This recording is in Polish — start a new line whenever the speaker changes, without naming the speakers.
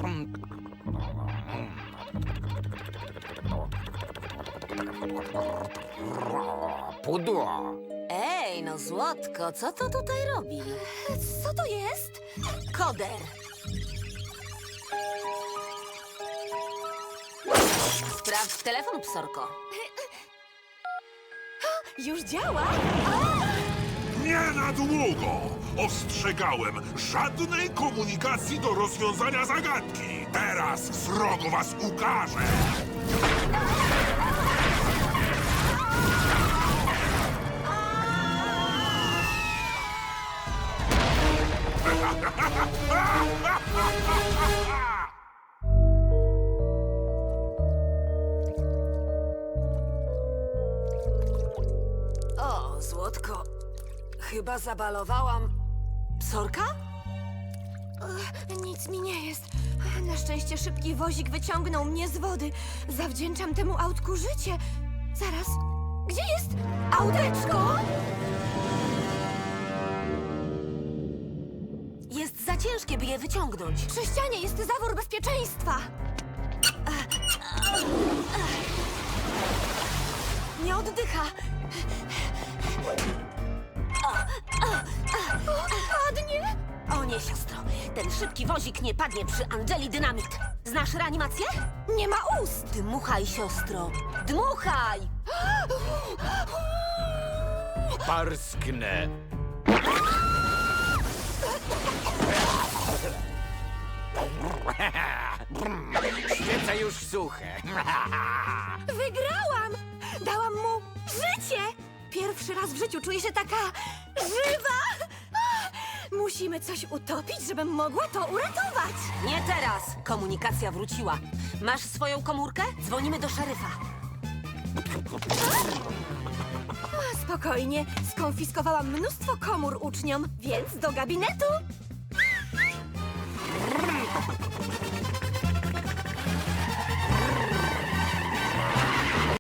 Pudło.
Ej, no Złotko, co to tutaj robi?
Co to jest?
Koder. Sprawdź telefon, psorko.
Już działa?
Nie na długo! Ostrzegałem, żadnej komunikacji do rozwiązania zagadki! Teraz srogo was ukażę!
O, Złotko, chyba zabalowałam psorka?
Nic mi nie jest. Na szczęście szybki wozik wyciągnął mnie z wody. Zawdzięczam temu autku życie. Zaraz, gdzie jest auteczko?
Jest za ciężkie, by je wyciągnąć.
Przy ścianie jest zawór bezpieczeństwa. Nie oddycha. Padnie?
O nie, siostro, ten szybki wozik nie padnie przy Angeli Dynamit. Znasz reanimację?
Nie ma ust.
Dmuchaj, siostro, dmuchaj!
Parsknę. Świece już suche.
Wygrałam! Dałam mu życie! Pierwszy raz w życiu czuję się taka żywa! Musimy coś utopić, żebym mogła to uratować!
Nie teraz! Komunikacja wróciła. Masz swoją komórkę? Dzwonimy do szeryfa.
Spokojnie, skonfiskowałam mnóstwo komór uczniom, więc do gabinetu!